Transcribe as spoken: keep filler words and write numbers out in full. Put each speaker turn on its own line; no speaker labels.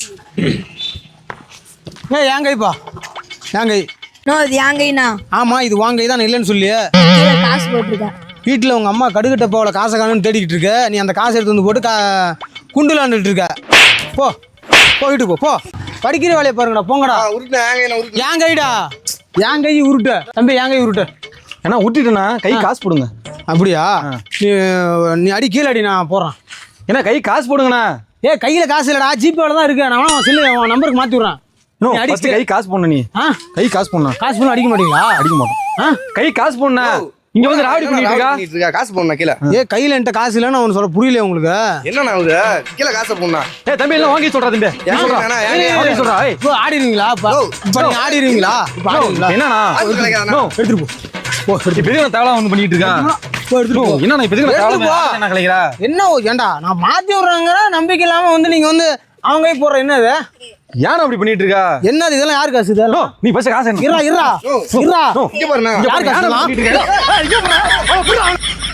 ஏ என் கைப்பா என் கை.
No இது என் கைண்ணா.
ஆமா இது வாங்க கை தான், நான் இல்லைன்னு சொல்லியே.
கீழே காசு போட்டிருக்கேன்.
வீட்டில் உங்கள் அம்மா கடுகிட்ட போகல காசை காணுன்னு தேடிக்கிட்டு இருக்க. நீ அந்த காசை எடுத்து வந்து போட்டு கா குண்டுலாண்டுட்டு இருக்க. போ போயிட்டு போ போ படிக்கிற வேலையை பாருங்கடா போங்கடா. என் கைடா என் கை உருட்ட தம்பி, என் கை உருட்ட.
ஏன்னா விட்டுட்டேண்ணா, கை காசு போடுங்க.
அப்படியா? நீ நீ அடி கீழே அடி, நான் போகிறேன்.
ஏன்னா கை காசு போடுங்கண்ணா.
ஏ கையில் காசு இல்லைடா, ஜிபேல தான் இருக்கு. நான் சொல்லு உன் நம்பருக்கு மாற்றி விட்றேன்.
அடிச்சு கை காசு போடணும். நீ
ஆ
கை காசு போடணும்.
காசு பண்ண அடிக்க மாட்டீங்களா?
அடிக்க மாட்டோம். ஆ கை காசு போடணா. இங்க வந்து ராவடி பண்ணிட்டு இருக்கா.
காசு போடணும் கீழே.
ஏ கையில் என்கிட்ட காசு இல்லைன்னு அவனு சொல்ல புரியல உங்களுக்கு.
என்னண்ணா கீழே காசை போடணும்.
ஏ தம்பி எல்லாம் வாங்கி சொல்றா தம்பி. வாங்கி சொல்றா. ஏய்
இப்போ ஆடிடுவீங்களா? இப்போ நீங்க ஆடிடுவீங்களா? இப்போ ஆடிடுவீங்களா?
என்னண்ணா
எடுத்துட்டு போ. போ
இப்ப எதுக்கு தேவலாம் வந்து பண்ணிட்டு இருக்கா?
போ எடுத்துட்டு போ.
என்னண்ணா இப்ப எதுக்கு தேவலாம் என்ன கலைக்கிறா?
என்ன ஏண்டா நான் மாத்தி விடுறாங்க நம்பிக்கை இல்லாம வந்து நீங்க வந்து அவங்க கை போடுற என்னது?
யாரும் அப்படி பண்ணிட்டு இருக்கா?
என்னது இதெல்லாம்? யாரு காசு இதெல்லாம்?
நீ பஸ் காசு
இருடா இருடா இருடா.
இங்க பாருண்ணா.
யாரு காசு?